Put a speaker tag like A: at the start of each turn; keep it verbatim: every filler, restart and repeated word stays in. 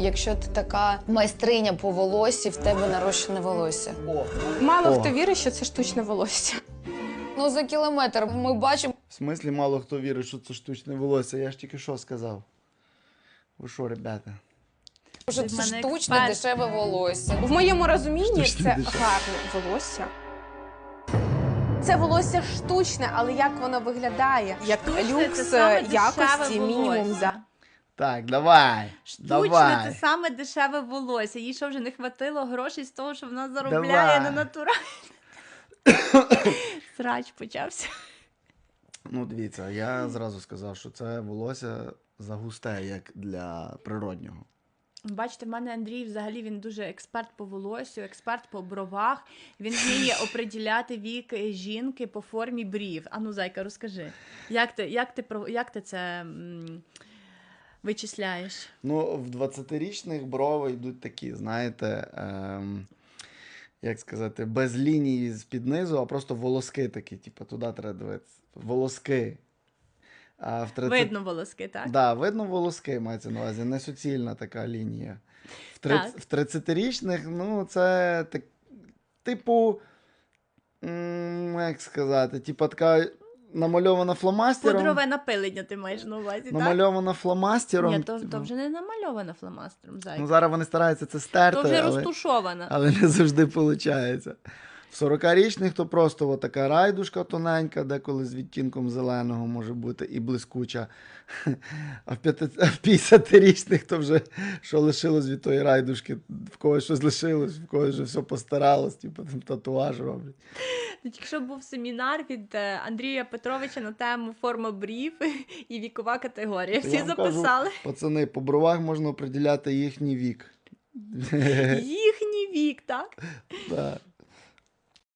A: якщо ти така майстриня по волоссі, в тебе нарощене волосся.
B: О.
C: Мало
B: О.
C: хто вірить, що це штучне волосся.
A: Ну, за кілометр ми бачимо.
B: В смислі мало хто вірить, що це штучне волосся. Я ж тільки що сказав. Ви що, ребята?
A: Що
D: Ти
A: це
D: в мене
A: штучне
D: експерт.
A: дешеве волосся.
C: В моєму розумінні
B: Штучне
C: це
B: дешеве.
C: гарне волосся. Це волосся штучне, але як воно виглядає? Як
D: Штучне це
C: люкс
D: саме
C: якості,
D: дешеве
C: мінімум
D: волосся.
C: за.
B: Так, давай.
D: Штучне
B: давай.
D: це саме дешеве волосся. Їй що вже не хватило грошей з того, що вона заробляє
B: Давай.
D: на натуральне. Срач почався.
B: Ну, дивіться, я зразу сказав, що це волосся загусте, як для природнього.
D: Бачите, в мене Андрій взагалі він дуже експерт по волоссю, експерт по бровах. Він вміє оприділяти вік жінки по формі брів. Ану, зайка, розкажи, як ти, як ти, про- як ти це м, вичисляєш?
B: Ну, в двадцятирічних брови йдуть такі, знаєте, ем, як сказати, без лінії з-під низу, а просто волоски такі, типу, туди треба дивитися. Волоски. А в тридцять...
D: Видно волоски, так?
B: Да, видно волоски, мається на увазі, не суцільна така лінія. В, триц...
D: Так.
B: в тридцятирічних, ну, це так, типу, м, як сказати, типу така намальована фломастером.
D: Пудрове напилення ти маєш на увазі, так?
B: Намальована фломастером.
D: Ні, то,
B: типу.
D: то вже не намальована фломастером, зайка.
B: Ну, зараз вони стараються це стерти,
D: То вже
B: але...
D: розтушована.
B: але не завжди виходить. В сорокарічних то просто така райдушка тоненька, деколи з відтінком зеленого може бути і блискуча. А в п'ятдесятирічних то вже що лишилось від тої райдушки, в когось щось лишилось, в когось вже все постаралось, типу там татуаж роблять.
D: Тільки що був семінар від е, Андрія Петровича на тему форма брів і вікова категорія.
B: То
D: Всі
B: я вам
D: записали.
B: Кажу, пацани, по бровах можна определяти їхній вік.
D: Їхній вік, так?
B: Да.